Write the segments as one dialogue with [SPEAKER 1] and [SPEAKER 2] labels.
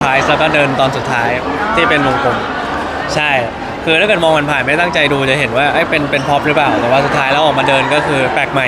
[SPEAKER 1] ท้ายแล้วก็เดินตอนสุดท้ายที่เป็นวงกลมใช่คือถ้าเกิดมองผ่านๆไม่ตั้งใจดูจะเห็นว่าเป็นพ็อปหรือเปล่าแต่ว่าสุดท้ายแล้วออกมาเดินก็คือแปลกใหม่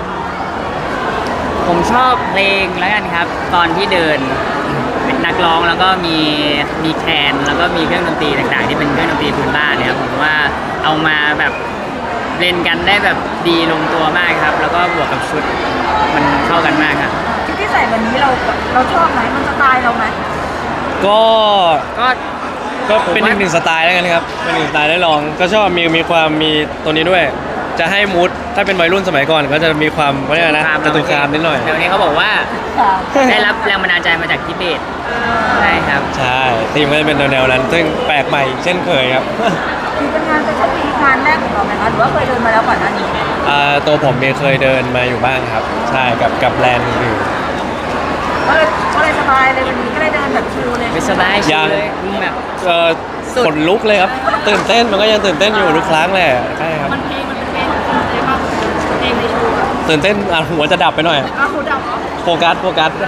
[SPEAKER 2] ผมชอบเพลงแล้วกันครับตอนที่เดินเป็นนักร้องแล้วก็มีแคนแล้วก็มีเครื่องดนตรีต่างๆที่เป็นเครื่องดนตรีพื้นบ้านเนี่ยผมว่าเอามาแบบเล่นกันได้แบบดีลงตัวมากครับแล้วก็บวกกับชุดมันเข้ากันมากครับ
[SPEAKER 3] ชุดที่ใส่วันนี้เราชอบไหมมันสไตล์เราไหม
[SPEAKER 1] ก็
[SPEAKER 2] ก็
[SPEAKER 1] ก็เป็นอีกหนึ่งสไตล์แล้วกันครับเป็นหนึ่งสไตล์ได้ลองก็ชอบมีความมีตัวนี้ด้วยจะให้มูดถ้าเป็นวัยรุ่นสมัยก่อนก็จะมีความว่าไงนะจตุคามนิดหน่อย
[SPEAKER 2] เดี๋ยวนี้เขาบอกว่าได้รับแรงบันดาลใจมาจากทิเบตใช่ครับ
[SPEAKER 1] ใช่ทีมก็จะเป็นแนวนั้นซึ่งแปลกใหม่เช่นเคยครับ
[SPEAKER 3] มีเป็นงานเป็นชั้นปีงานแรกของเราไหมคะหรือว่าเคยเดินมาแล้วก่อนหน้านี้
[SPEAKER 1] ตัวผมเคยเดินมาอยู่บ้างครับใช่กับแบรนด์อื่น
[SPEAKER 3] ก็เลยสบายเลยวันนี้ก็เลยเดินแบบชิลเลย
[SPEAKER 2] ไม่สบายชิลเลยแบบ
[SPEAKER 1] ขนลุกเลยครับตื่นเต้นมันก็ยังตื่นเต้นอยู่ทุกครั้งแหละใช่ครับ
[SPEAKER 3] มันเป็นเพลงของเราเลยป่ะเพลงในโชว์
[SPEAKER 1] ตื่นเต้นหัวจะดับไปหน่อย
[SPEAKER 3] หูดับเหรอ
[SPEAKER 1] โฟกัส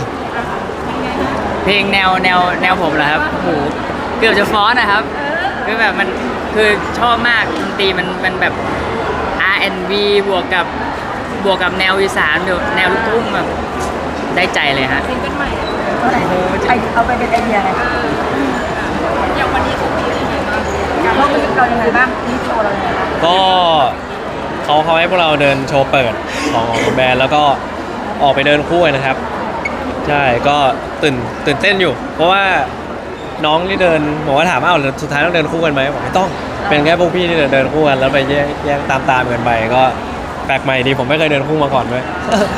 [SPEAKER 2] เพลงแนวผมเหรอครับโหเกือบจะฟ้อนนะครับคือแบบมันคือชอบมากดนตรีมันแบบ R&B บวกกับแนวอีสานแนวลูกทุ่งแบบได้ใจเลยฮะ
[SPEAKER 3] ซิงเกิลใหม่เอาไปเป็นไอเดียไงอย่างวันนี้เขามีอะไรบ้างการเล่าเพลงเรายังไงบ้างที่โชว์เรายังไงบ้าง
[SPEAKER 1] ก็เขาให้พวกเราเดินโชว์เปิดของแบรนด์แล้วก็ออกไปเดินคู่กันนะครับใช่ก็ตื่นเต้นอยู่เพราะว่าน้องที่เดินบอกว่าถามสุดท้ายต้องเดินคู่กันไหมบอกไม่ต้องเป็นแค่พวกพี่ที่เดินคู่กันแล้วไปแยกตามกันไปก็แปลกใหม่ดีผมไม่เคยเดินคู่มาก่อนด้วย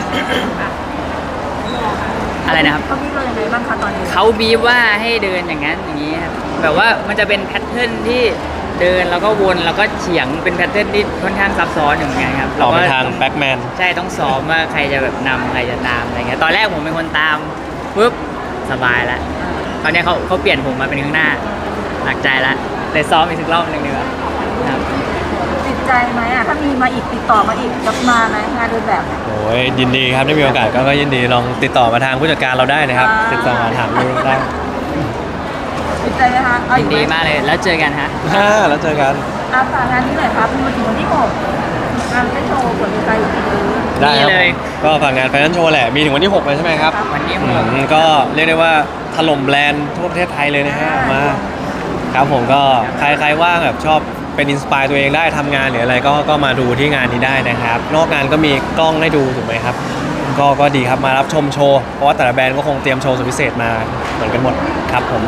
[SPEAKER 2] อะไรนะครับ
[SPEAKER 3] เขาบีบเราอย่างไรบ้างคะตอนนี้
[SPEAKER 2] เขาบีบว่าให้เดินอย่างนั้นอย่างนี้ครับแบบว่ามันจะเป็นแพทเทิร์นที่เดินแล้วก็วนแล้วก็เฉียงเป็นแพทเทิร์นที่ค่อนข้างซับซ้อนอย่างเงี้ยครับ
[SPEAKER 1] ออกไปทางแบ็กแมน
[SPEAKER 2] ใช่ต้องซ้อมว่าใครจะแบบนำใครจะตามอะไรเงี้ยตอนแรกผมเป็นคนตามปุ๊บสบายแล้วตอนนี้เขาเปลี่ยนผมมาเป็นข้างหน้าหนักใจแล้วเลยซ้อมอีกสักรอบนึงดีกว่าครับ
[SPEAKER 3] ติดใจไหมถ้ามีมาอีกติดต่อมาอีกจะมาไหมงานเดินแบบ
[SPEAKER 1] โอ้ยยินดีครับได้มีโอกาสก็ยินดีลองติดต่อมาทางผู้จัดการเราได้นะครับติดต่อมาถามดูได้
[SPEAKER 3] ติดใจไหมคะ
[SPEAKER 2] ยินดีมากเลยแล้วเจอกันฮะ
[SPEAKER 1] แล้วเจอกัน
[SPEAKER 3] ฝากงานนี้หน่อยครับมีวันที่วันที่6งานโชว์ผลใจอยู่ที่นี่
[SPEAKER 1] ได้เลยก็ฝากงานแฟชั่นโชว์แหละมีถึงวันที่6เลยใช่ไหมครับ
[SPEAKER 2] วันที่
[SPEAKER 1] 6ก็เรียกได้ว่าถล่มแบรนด์ทั่วประเทศไทยเลยนะฮะมาครับผมก็ใครว่างแบบชอบเป็นอินสปายตัวเองได้ทำงานหรืออะไรก็มาดูที่งานนี้ได้นะครับนอกงานก็มีกล้องให้ดูถูกไหมครับก็ดีครับมารับชมโชว์เพราะว่าแต่ละแบรนด์ก็คงเตรียมโชว์สุดพิเศษมาเหมือนกันหมดครับผม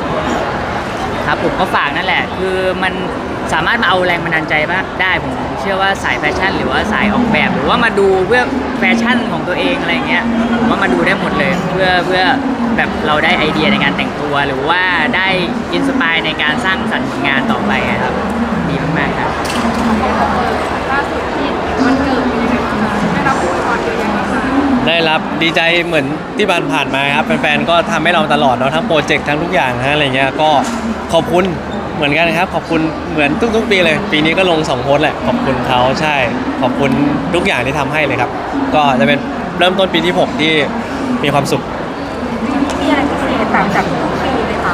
[SPEAKER 2] ก็ฝากนั่นแหละคือมันสามารถมาเอาแรงบันดาลใจบ้างได้ผมเชื่อว่าสายแฟชั่นหรือว่าสายออกแบบหรือว่ามาดูเพื่อแฟชั่นของตัวเองอะไรเงี้ยผมว่ามาดูได้หมดเลยเพื่อแบบเราได้ไอเดียในการแต่งตัวหรือว่าได้อินสปายในการสร้างสรรค์ผลงานต่อไปครับดีมากๆครับ
[SPEAKER 3] ล่าสุดที่วันเกิดเป็นยังไงบ้างได้รับอวยพรเยอะแยะมากมาย
[SPEAKER 1] ได้รับดีใจเหมือนที่ผ่านมาครับแฟนๆก็ทำให้เราตลอดเนาะทั้งโปรเจกต์ทั้งทุกอย่างอะไรเงี้ยก็ขอบคุณเหมือนกันครับขอบคุณเหมือนทุกปีเลยปีนี้ก็ลง2โพสต์แหละขอบคุณเขาใช่ขอบคุณทุกอย่างที่ทำให้เลยครับก็จะเป็นเริ่มต้นปีที่6ที่มีความสุข
[SPEAKER 3] มีอะไรพิเศษต่างจากทุกปีไหมคะ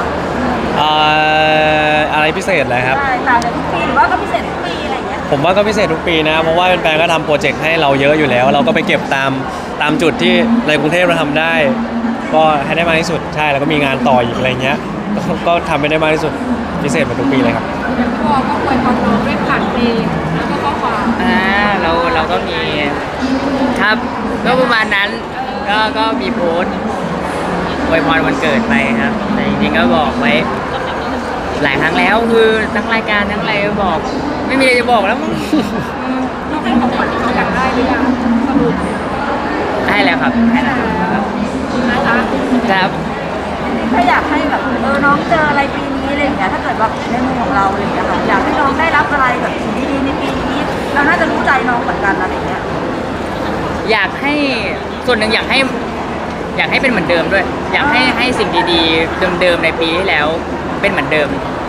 [SPEAKER 1] อะไรพิเศษเลยครับ
[SPEAKER 3] ใช่ต่างจากทุกปีหรือว่าก็พิเศษทุกปีอะไรอย่างเงี้ย
[SPEAKER 1] ผมว่าก็พิเศษทุกปีนะเพราะว่าแฟนๆก็ทำโปรเจกต์ให้เราเยอะอยู่แล้วเราก็ไปเก็บตามจุดที่ในกรุงเทพเราทำได้ก็ให้ได้มากที่สุดใช่แล้วก็มีงานต่ออีกอะไรเงี้ยก็ทำให้ได้มากที่สุดพิเศษเหมือนทุกปีเลยครับ
[SPEAKER 3] พ่อก็อวยพรน้องด้วยผ่านเพลงแล้วก็ข้อความ
[SPEAKER 2] เราก็มีครับก็ประมาณนั้นก็มีโพสต์อวยพรวันเกิดไปครับแต่จริงๆก็บอกไว้หลายครั้งแล้วคือทั้งรายการทั้งอะไรก็บอกไม่มีอะไรจะบอกแล้วมั้ง
[SPEAKER 3] น้องให้ของขวัญที่เขาอยากได้หรือยังสรุป
[SPEAKER 2] ได้แล้วครับได้แล้วครับ
[SPEAKER 3] นะคะ
[SPEAKER 2] ครับ
[SPEAKER 3] ถ้าอยากให้แบบน้องเจออะไรปีนี้อะไรอย่างเงี้ยถ้าเกิดแบบในมุมของเราอะไรอย่างเงี้ยค่ะอยากให้น้องได้รับอะไรแบบดีๆในปีนี้เราน่าจะรู้ใจน้องเหมือนกันอะไรอย่างเงี้ย
[SPEAKER 2] อยากให้ส่วนหนึ่งอยากให้เป็นเหมือนเดิมด้วยอยากให้สิ่งดีๆเดิมๆในปีที่แล้วเป็นเหมือนเดิม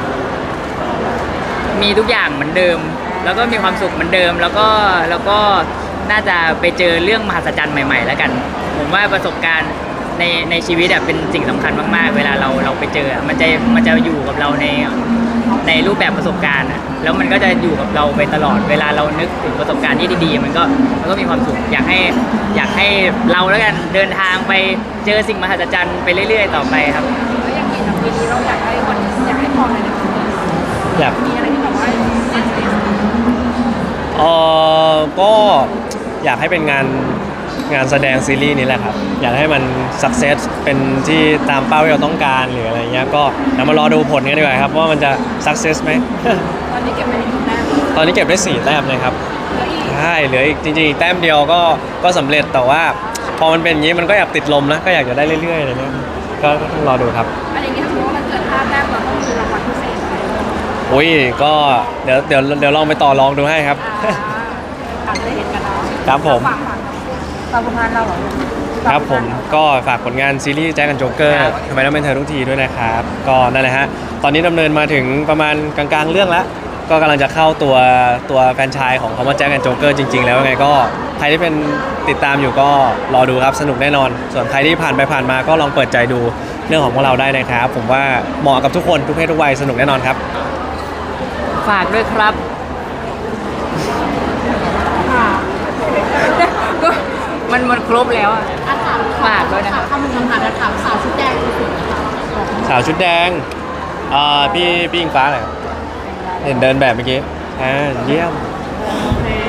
[SPEAKER 2] มีทุกอย่างเหมือนเดิมแล้วก็มีความสุขเหมือนเดิมแล้วก็น่าจะไปเจอเรื่องมหัศจรรย์ใหม่ๆแล้วกันผมว่าประสบการณ์ในชีวิตอะเป็นสิ่งสำคัญมากๆเวลาเราไปเจออะมันจะอยู่กับเราในรูปแบบประสบการณ์อะแล้วมันก็จะอยู่กับเราไปตลอดเวลาเรานึกถึงประสบการณ์ที่ดีๆมันก็มีความสุขอยากให้เราแล้วกันเดินทางไปเจอสิ่งมหัศจรรย์ไปเรื่อยๆต่อไปครับ
[SPEAKER 3] แล้วอย่างนี้ปีนี้เราอยากให้พรอะไรในปีนี้
[SPEAKER 1] อยาก
[SPEAKER 3] มีอะไรที่แบบว่า
[SPEAKER 1] ก็อยากให้เป็นงานแสดงซีรีส์นี้แหละครับ อยากให้มันสักเซสเป็นที่ตามเป้าที่เราต้องการหรืออะไรเงี้ยก็เดี๋ยวมารอดูผลกันดีกว่าครับว่ามันจะสักเซสไหม
[SPEAKER 3] ตอนนี้เก็บไปได้กี่แต้ม
[SPEAKER 1] ตอนนี้เก็บได้4 แต้มเลยครับ
[SPEAKER 3] แล้วอีก
[SPEAKER 1] ใช่เหลืออีกจริงๆอีกแต้มเดียวก็สำเร็จแต่ว่าพอมันเป็นอย่างนี้มันก็อยากติดลมนะก็อยากจะได้เรื่อยๆอะไรเงี้ยก็ต้องรอดูครับ
[SPEAKER 3] อะไรอย่างเงี้ยถ้าสมมติว่ามันเกิด5 แต้มเราต้องมีรางวัลพิเศษไหม
[SPEAKER 1] อุ้ยก็เดี๋ยวลองไปต่อรองดูให้ครับ
[SPEAKER 3] อาจจะเห็นกันเนาะ
[SPEAKER 1] ครับผม
[SPEAKER 3] ฝากผลงานเราเหรอ
[SPEAKER 1] ครับผมก็ฝากผลงานซีรีส์แจ็คกันโจ๊กเกอร์ทำไมต้องเป็นเธอทุกทีด้วยนะครับก็นั่นแหละฮะตอนนี้ดำเนินมาถึงประมาณกลางๆเรื่องแล้วก็กำลังจะเข้าตัวแฟรนไชส์ของคำว่าแจ็คกันโจ๊กเกอร์จริงๆแล้วยังไงก็ใครที่เป็นติดตามอยู่ก็รอดูครับสนุกแน่นอน ส่วนใครที่ผ่านไปผ่านมาก็ลองเปิดใจดูเรื่องของพวกเราได้นะครับผมว่าเหมาะกับทุกคนทุกเพศทุกวัยสนุกแน่นอนครับ
[SPEAKER 2] ฝากด้วยครับ ก็มันครบแล้วอะ ฝากด้วยนะครับ
[SPEAKER 3] คำหนึ่งคำถามถามสาวชุดแดงสุดนะคะ
[SPEAKER 1] สาวชุดแดงพี่อิงฟ้าเหรอครับเห็นเดินแบบเมื่อกี้เยี่ยม
[SPEAKER 3] โอเค